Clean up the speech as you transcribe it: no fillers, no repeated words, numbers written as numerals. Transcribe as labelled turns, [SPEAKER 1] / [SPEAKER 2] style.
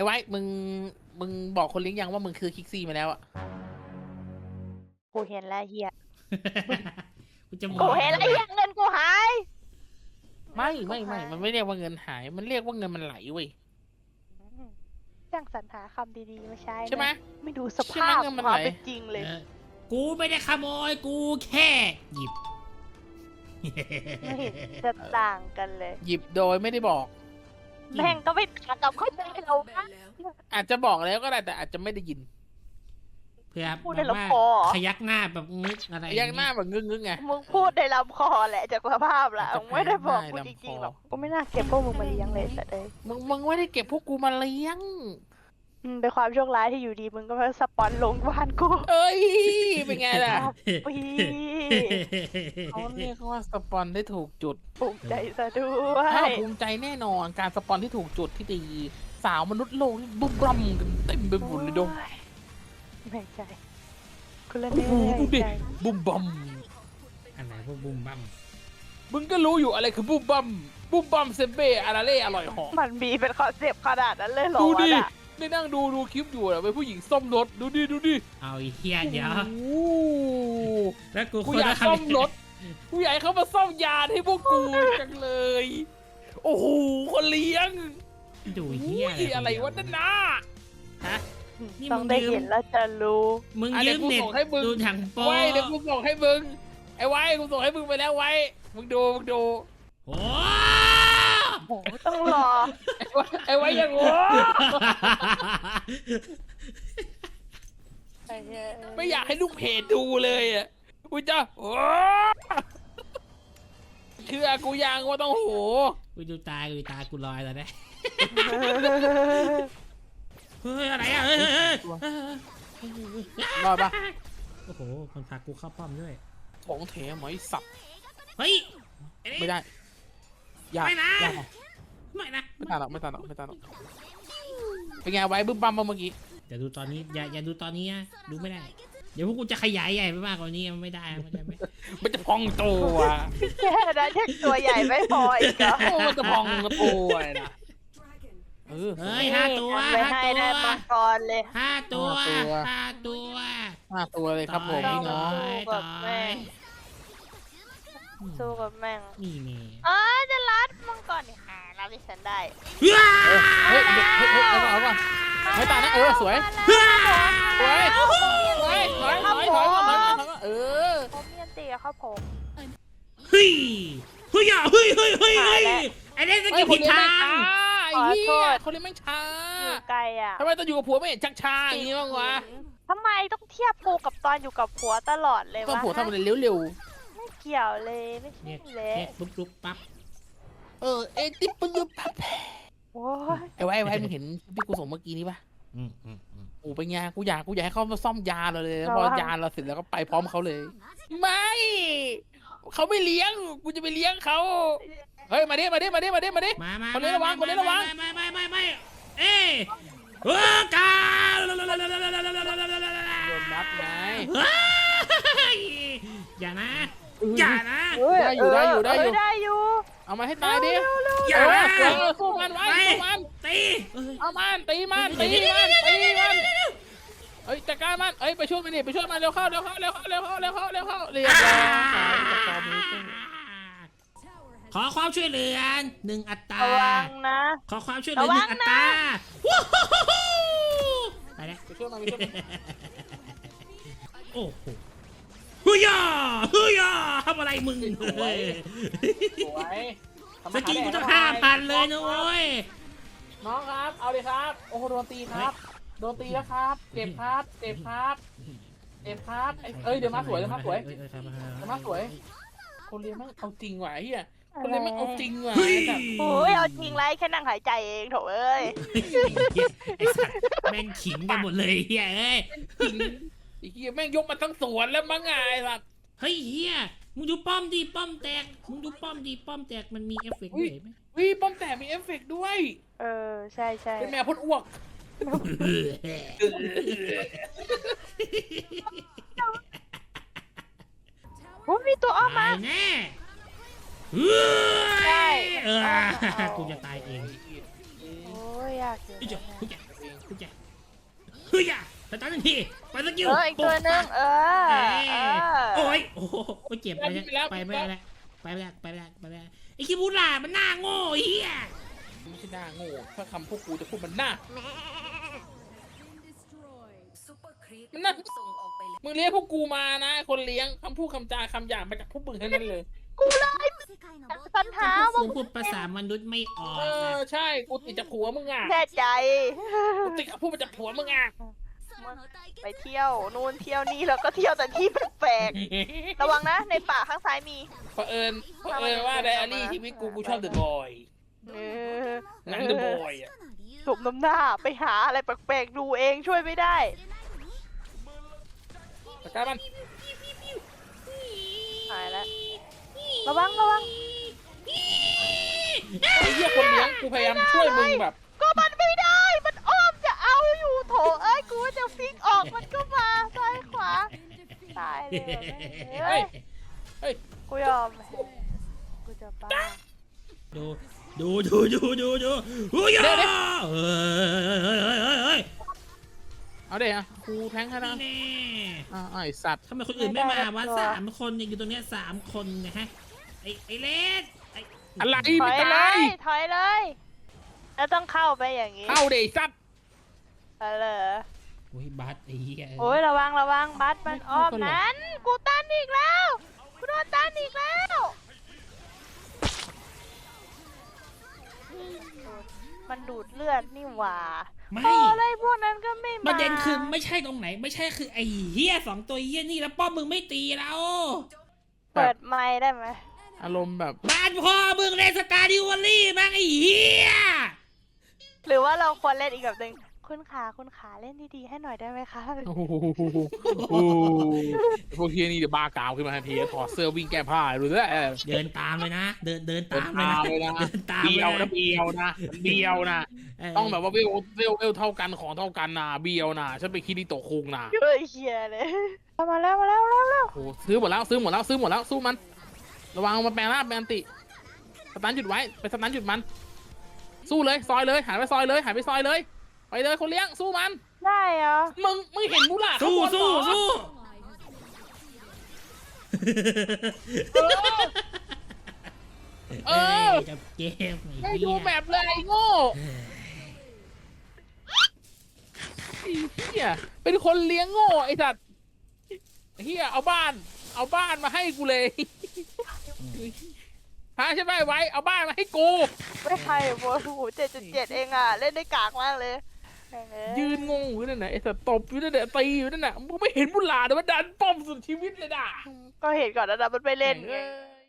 [SPEAKER 1] ไว้มึงบอกคนเลี้ยงยังว่ามึงคือคิกซี่มาแล้วอะ
[SPEAKER 2] กูเห็นแล้วเฮีย
[SPEAKER 3] กูจะบ
[SPEAKER 2] กู
[SPEAKER 3] อก
[SPEAKER 2] เห็นแล้วเฮียเงินกูหาย
[SPEAKER 1] ไม่มันไม่เรียกว่าเงินหาย มันเรียกว่าเงินมันไหลเว้ย
[SPEAKER 2] จ้างสรรหาคำดีๆมาใช้นะ
[SPEAKER 1] ใช่ไหม
[SPEAKER 2] ไม่ดูส
[SPEAKER 1] ใช่ไหม
[SPEAKER 2] ภาพ
[SPEAKER 1] เงินมัน
[SPEAKER 2] ความ
[SPEAKER 1] ไหล
[SPEAKER 2] เป็นจริงเลย
[SPEAKER 3] กูไม่ได้ขโมยกูแค่หยิบ
[SPEAKER 2] ไม่เห็นจะต่างกันเลย
[SPEAKER 1] หยิบโดยไม่ได้บอก
[SPEAKER 2] แม่งก็ไม่ต่างกับเขาใจเราบ้าง
[SPEAKER 1] อาจจะบอกแล้วก็ได้แต่อาจจะไม่ได้ยิน
[SPEAKER 3] เพื่อ
[SPEAKER 2] พูด
[SPEAKER 3] แบ
[SPEAKER 2] ใน
[SPEAKER 3] บว่า
[SPEAKER 2] ลำคอ
[SPEAKER 3] ขยักหน้าแบบงึกอะไร
[SPEAKER 1] ยังหน้าแบบงึกไง
[SPEAKER 2] มึงพูดในลำคอแหละจากสภาพละมึงไม่ได้บอกกูจริงๆหรอกกูไม่น่าเก็บพวกมึงมาเลี้ยงเลยแต่เลย
[SPEAKER 1] มึงไม่ได้เก็บพวกกูมาเลี้ยง
[SPEAKER 2] เป็นความโชคร้ายที่อยู่ดีมึงก็มาสปอนลงบ้านกู
[SPEAKER 1] เอ้ย เป็นไงล่ะ
[SPEAKER 2] ปี
[SPEAKER 1] เขาเรียกว่าสปอนได้ถูกจุด
[SPEAKER 2] ภูมิใจซะด้ว
[SPEAKER 1] ถ้าย ภูมิใจแน่นอนการสปอนที่ถูกจุดที่ดี สาวมนุษย์โลกนี่บุ้มรั่มกันเต็มไปหมดเลยดง
[SPEAKER 2] เหนื่อยใจคุณละ
[SPEAKER 1] โอ้
[SPEAKER 2] เหนื่
[SPEAKER 1] โหดู
[SPEAKER 2] อย
[SPEAKER 1] ดิ
[SPEAKER 2] ใจ
[SPEAKER 1] บุ้มบัม
[SPEAKER 3] อันไหนพวกบุ้มบั้ม
[SPEAKER 1] มึงก็รู้อยู่อะไรคือบุ้มบัมบุ้มบัมเซเบ้อาราเล่อร่อยหอม
[SPEAKER 2] มันมีเป็นคอนเซปต์ขนาดนั้นเลยเหรอ
[SPEAKER 1] ดูดิ
[SPEAKER 2] วะน่ะ
[SPEAKER 1] ได้นั่งดูคลิปอยู่อะเป็นผู้หญิงซ่อมรถดูดิ
[SPEAKER 3] เอาไอ้เฮียเดี๋ยว
[SPEAKER 1] โอ้โห
[SPEAKER 3] แล้วกู
[SPEAKER 1] กูอยากซ่อมรถกูอยากให้เขามาซ่อมยานให้พวกกูจังเลย โอ้โหคนเลี้ยง
[SPEAKER 3] ดูเฮีย
[SPEAKER 1] อุ้ยอะไรวะนั่นนะฮะ
[SPEAKER 3] นี่
[SPEAKER 2] ต้
[SPEAKER 3] มึ
[SPEAKER 2] อง
[SPEAKER 3] ง
[SPEAKER 2] ได้
[SPEAKER 3] ยืม
[SPEAKER 2] เห็นแล้วจะรู้
[SPEAKER 3] มึง
[SPEAKER 1] อ่ะ
[SPEAKER 3] ยื
[SPEAKER 1] เดี๋ยว
[SPEAKER 3] ม
[SPEAKER 1] กู
[SPEAKER 3] เน็ต
[SPEAKER 1] ส่งให้มึง
[SPEAKER 3] ดูถังโป๊
[SPEAKER 1] ไว้เดี๋ยวกูส่งให้มึงไอ้ไว้กูส่งให้มึงไปแล้วไว้มึงดู
[SPEAKER 3] โอ้
[SPEAKER 2] โอ้โหต้องรอ
[SPEAKER 1] ไอ้ไว้ยังโง่
[SPEAKER 2] ไอ้เหี้ย
[SPEAKER 1] ไม่อยากให้ลูกเพจดูเลยอ่ะกูจะโอ้เชื่อกูยังว่าต้องโห
[SPEAKER 3] กูดูตากูลอยแล้วนะเฮ้ยอะไรอ่ะเฮ้ย
[SPEAKER 1] รอดปะ
[SPEAKER 3] โอ้โหคนพากูเข้าป้อมด้วย
[SPEAKER 1] ของเถไหมสับ
[SPEAKER 3] เฮ้ย
[SPEAKER 1] ไม่ได้ยาก
[SPEAKER 3] ไม่นะ
[SPEAKER 1] ยาก
[SPEAKER 3] ไม่นะ
[SPEAKER 1] ไม่ตายหรอกเป็นไงไว้บึ้มบัมมาเมื่อกี้
[SPEAKER 3] อย่าดูตอนนี้อย่าดูตอนนี้นะดูไม่ได้ เดี๋ยวพวกกูจะขยายใหญ่ไปมากกว่านี้ไม่ได้ไม่
[SPEAKER 1] มันจะพองตัว
[SPEAKER 2] แค่นั้นยังตัวใหญ่ไม่พออีกเหรอ
[SPEAKER 1] โอ้มันจะพองตัวนะ
[SPEAKER 3] เฮ้ย5 ตัว
[SPEAKER 2] ไม่ให้ได้มังกรเลย
[SPEAKER 3] 5 ตัว
[SPEAKER 1] 5 ตัวเลยครับผม
[SPEAKER 2] ต้อ
[SPEAKER 1] พี่
[SPEAKER 2] ง
[SPEAKER 1] น้อง
[SPEAKER 2] สู้กับแม่งสู้กับแม่ง
[SPEAKER 3] นี่แน่
[SPEAKER 2] จะรัดมังกรนี่หารับดิฉันได้
[SPEAKER 1] เฮ้ยเอาก่อนไม่ตายนะสวยสวยเออ
[SPEAKER 2] ผมเมียนตีครับผม
[SPEAKER 3] เฮ้ยไอ้เล่นสกิลผิดทาง
[SPEAKER 1] ไอ้เหี้ยคนเลี้ยงแม่งช้า
[SPEAKER 2] อยู่ไกลอ่ะ
[SPEAKER 1] ทำไมต้องอยู่กับผัวไม่เห็นชักช้าอย่างนี้บ้างวะ
[SPEAKER 2] ทำไมต้องเทียบกูกับตอนอยู่กับผัวตลอดเลยวะ
[SPEAKER 1] ต้องผัวทำอะไรเร็ว
[SPEAKER 2] ไม่เกี่ยวเลยไม่ใช่
[SPEAKER 3] เนี่ย
[SPEAKER 2] เลย
[SPEAKER 3] ปุ๊บปั๊บ
[SPEAKER 1] ๆเอติปยุบพับ
[SPEAKER 2] โอ้ย
[SPEAKER 1] ไอ้ไว้มึงเห็นที่กูส่งเมื่อกี้นี้ปะโอ้เป็นไงกูอยากให้เขามาซ่อมยาเราเลยพอยาเราเสร็จแล้วก็ไปพร้อมเขาเลย ไม่เขาไม่เลี้ยงกูจะไปเลี้ยงเขาเฮ้ยมาดิ
[SPEAKER 3] มา
[SPEAKER 1] คนนี้ระวัง
[SPEAKER 3] ไม่เอ้ยกา
[SPEAKER 1] โดนนัดไง
[SPEAKER 3] อย่านะ
[SPEAKER 1] ได้อยู่เอามาให้ตายดิ
[SPEAKER 3] อย่านะ
[SPEAKER 1] สู้มันไว้
[SPEAKER 3] ตี
[SPEAKER 1] เอามันตีมันเฮ้ยจัดการมันไปช่วยมันเร็วเข้าเรียบร้อย
[SPEAKER 3] ขอความช่วยเหลือ1 อัตรา
[SPEAKER 2] ระวังนะ
[SPEAKER 3] ขอความช่วยเหลือ1 อัตราไปแล้ว
[SPEAKER 1] ไปช่วยมัน
[SPEAKER 3] โอ้โหเฮ้ยทำอะไรมึง
[SPEAKER 1] สวย
[SPEAKER 3] สกิลกูต้อง5,000เลยนะโว้ย
[SPEAKER 1] น้องครับเอาเลยครับโอ้โหโดนตีครับโดนตีแล้วครับเจ็บครับเดี๋ยวมาสวยคนเรียนมันเอาจริงว่ะเฮียคนเรียนมันเอาจริงว่ะ
[SPEAKER 2] โอ้ยเอาจริงไรแค่นั่งหายใจเองโถเอ้ย
[SPEAKER 3] ไอ้สัตว์แม่งขิงกันหมดเลยเฮ้ย
[SPEAKER 1] ไอ้เฮียแม่งยกมาทั้งสวนแล้วมั้งไงล่ะ
[SPEAKER 3] เฮ้ยเฮียมึงดูป้อมดิป้อมแตกมึงดูป้อมดิป้อมแตกมันมีเอฟเฟกต์ด้วยไหม
[SPEAKER 1] วิป้อมแต่มีเอฟเฟกต์ด้วย
[SPEAKER 2] ใช่
[SPEAKER 1] เป็นแมวพ่นอ้วก
[SPEAKER 2] โอ้ยมีตัวอ้อมมา
[SPEAKER 3] ตายแน่กูจะตายเอง
[SPEAKER 2] โอ้ยยากอยู่นะ
[SPEAKER 3] เฮ้ยอ่ะสตาร์ททันทีไปสกิล
[SPEAKER 2] อีกตัวนึง
[SPEAKER 3] โอ้ยโอ้โหเจ็บไปแล้วไปไม่ได้แล้วไปไม่ได้ไอ้คิบูล่ามันหน้าโง่เฮีย
[SPEAKER 1] ไม่ใช่หน้าโง่ถ้าคำพวกกูจะพูดมันหน้ามึงเลี้ยงพวกกูมานะคนเลี้ยงคำพูดคำจาคำหยาบมาจากพวกมึงทั้งนั้นเลย
[SPEAKER 2] กูเลยปัญหา
[SPEAKER 3] กูพูดภาษามนุษย์ไม่ออก
[SPEAKER 1] ใช่กูติดจากผัวมึงอ่ะ
[SPEAKER 2] แน่ใจ
[SPEAKER 1] กูติดกับพูดมาจากผัวมึงอ่ะ
[SPEAKER 2] ไปเที่ยวนู่นเที่ยวนี่แล้วก็เที่ยวแต่ที่แปลกๆระวังนะในป่าข้างซ้ายมี
[SPEAKER 1] เผอิญว่าไดอารี่ชีวิตกูชอบเดอะบอยหนังเดอะบอยอ่ะ
[SPEAKER 2] สมน้ำหน้าไปหาอะไรแปลกๆดูเองช่วยไม่ได้
[SPEAKER 1] ตะการมัน
[SPEAKER 2] หายแล้วระวัง
[SPEAKER 1] ไอ้เหี้ยคนเลี้ยงกูพยายามช่วยมึงแบบ
[SPEAKER 2] ก็มันไม่ได้มันอ้อมจะเอาอยู่โถเอ้ยกูจะฟิกออกมันก็มาซ้ายขวาตายเลยเฮ้ยกูยอมกูจะบ้า
[SPEAKER 3] ดูเฮ้ย
[SPEAKER 1] เอาเดี๋ยวครูแทงให้นะไอสัตว์
[SPEAKER 3] ทำไมคนอื่นไม่มาวะ3 คนอยู่ตรงเนี้ย3 คนนะฮะไอ้เลส
[SPEAKER 1] อะไร
[SPEAKER 2] ถ
[SPEAKER 1] ไม่
[SPEAKER 2] อย
[SPEAKER 1] ตา
[SPEAKER 2] เลย ยถอยเลยแล้วต้องเข้าไปอย่างนี้
[SPEAKER 1] เข้าเดี๋ยวสัตว์
[SPEAKER 2] อะไร
[SPEAKER 3] โอ้ยบัสไอ้เหี้ย
[SPEAKER 2] โอ้ยระวังบัสมันอ้อมนั้นกูตันอีกแล้วกูโดนตันอีกแล้วมันดูดเลือดนี่หว่าอะไรพวกนั้นก็ไม่มา
[SPEAKER 3] ประเด็นคือไม่ใช่ตรงไหนไม่ใช่คือไอ้เหี้ย2 ตัวเหี้ยนี่แล้วป้อมมึงไม่ตีเรา
[SPEAKER 2] เปิดไมค์ได้ไหม
[SPEAKER 1] อารมณ์แบบ
[SPEAKER 3] บ้านพ่อมึงเล่นสกาดิวอลลี่มั้งไอ้เหี้ย
[SPEAKER 2] หรือว่าเราควรเล่นอีกแบบหนึ่งคุณขาเล่นดีๆให้หน่อยได้ไหมคะ
[SPEAKER 1] โอ้โหพวกเฮียนี่เดี๋ยวบ้ากาวขึ้นมาทันทีถอดเสื้อวิ่งแก้ผ้าดูด้วย
[SPEAKER 3] เดินตามเลยนะเดินตามเลยนะเ
[SPEAKER 1] บียวนะต้องแบบว่าเวลเท่ากันของเท่ากันนะเบียวนะฉันไปคิดที่โตคุงนะ
[SPEAKER 2] เฮ้ยเฮียเลยมาแล้ว
[SPEAKER 1] โอ้ซื้อหมดแล้วสู้มันระวังมาแปลงร่างแปลงติสตันหยุดไว้ไปสตันหยุดมันสู้เลยซอยเลยหายไปซอยเลยไปเลยคนเลี้ยงสู้มัน
[SPEAKER 2] ได้เหรอ
[SPEAKER 1] มึงเห็นมูล่า
[SPEAKER 3] สู้จับเกม
[SPEAKER 1] ให้ดูแบบเลยไอ้โง่เฮียเป็นคนเลี้ยงโง่ไอ้สัตว์เฮียเอาบ้านมาให้กูเลยพาใช่ไหมไว้เอาบ้านมาให้กู
[SPEAKER 2] ไม่ใครโว้โห7.7เองอ่ะเล่นได้กากมากเลย
[SPEAKER 1] ยืนงงอยู่นั่นน่ะไอ้สัตว์ตบอยู่นั่นน่ะตีอยู่นั่นน่ะมึงไม่เห็นบุหลาแต่ว่าดันป้อมสุดชีวิตเลยด่ะ
[SPEAKER 2] ก็เห็นก่อนนะมันไปเล่นไง